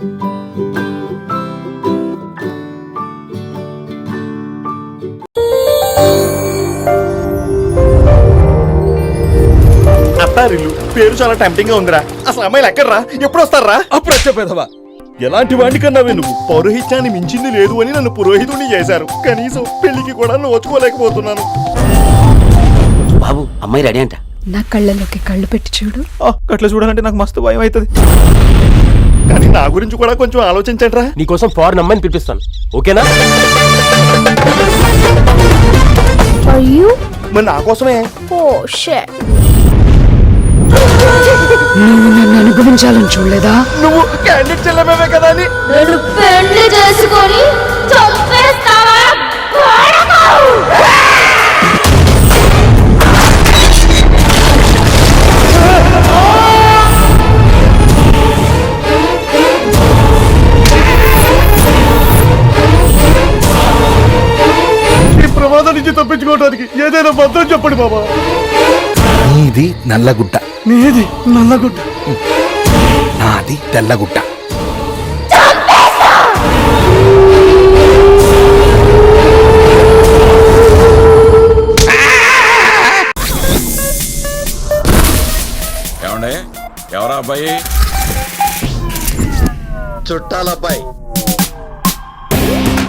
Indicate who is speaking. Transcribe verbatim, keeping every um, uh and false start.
Speaker 1: అత్తారిల్లు పేరు చాలా టెంప్టింగ్ గా ఉందిరా. అసలు అమ్మాయిలు ఎక్కడ్రా? ఎప్పుడు వస్తారా?
Speaker 2: అప్పుడు వచ్చేపోదావా?
Speaker 1: ఎలాంటి వాడిని కన్నావే నువ్వు? పౌరోహిత్యాన్ని మించింది లేదు అని నన్ను పురోహితుడిని చేశారు. కనీసం పెళ్లికి కూడా నోచుకోలేకపోతున్నాను.
Speaker 3: బాబు అమ్మాయి రెడీ అంట.
Speaker 4: నా కళ్ళలోకి కళ్ళు పెట్టి చూడు.
Speaker 1: అట్లా చూడాలంటే నాకు మస్తు భయం అవుతుంది. కానీ నా గురించి కూడా కొంచెం ఆలోచించండి రా.
Speaker 3: నీకోసం ఫారెన్ అమ్మాయిని పిలిపిస్తాను, ఓకేనా?
Speaker 1: మరి నా కోసమే.
Speaker 4: నువ్వు నన్ను అనుభవించాలని చూడలేదా?
Speaker 1: నువ్వు క్యాండిడేట్ చెల్లమే కదా అని
Speaker 5: నేను పెళ్లి చేసుకొని చంపేస్తావా?
Speaker 1: ఈ ప్రమాదం నుంచి తప్పించుకోవడానికి ఏదైనా భద్రం చెప్పండి బాబా.
Speaker 2: నీది నల్లగుడ్డ,
Speaker 1: నీది నల్లగుడ్డ,
Speaker 2: నాది తెల్లగుడ్డ.
Speaker 6: ఏమండే ఎవరా అబ్బాయి?
Speaker 7: చుట్టాలబ్బాయి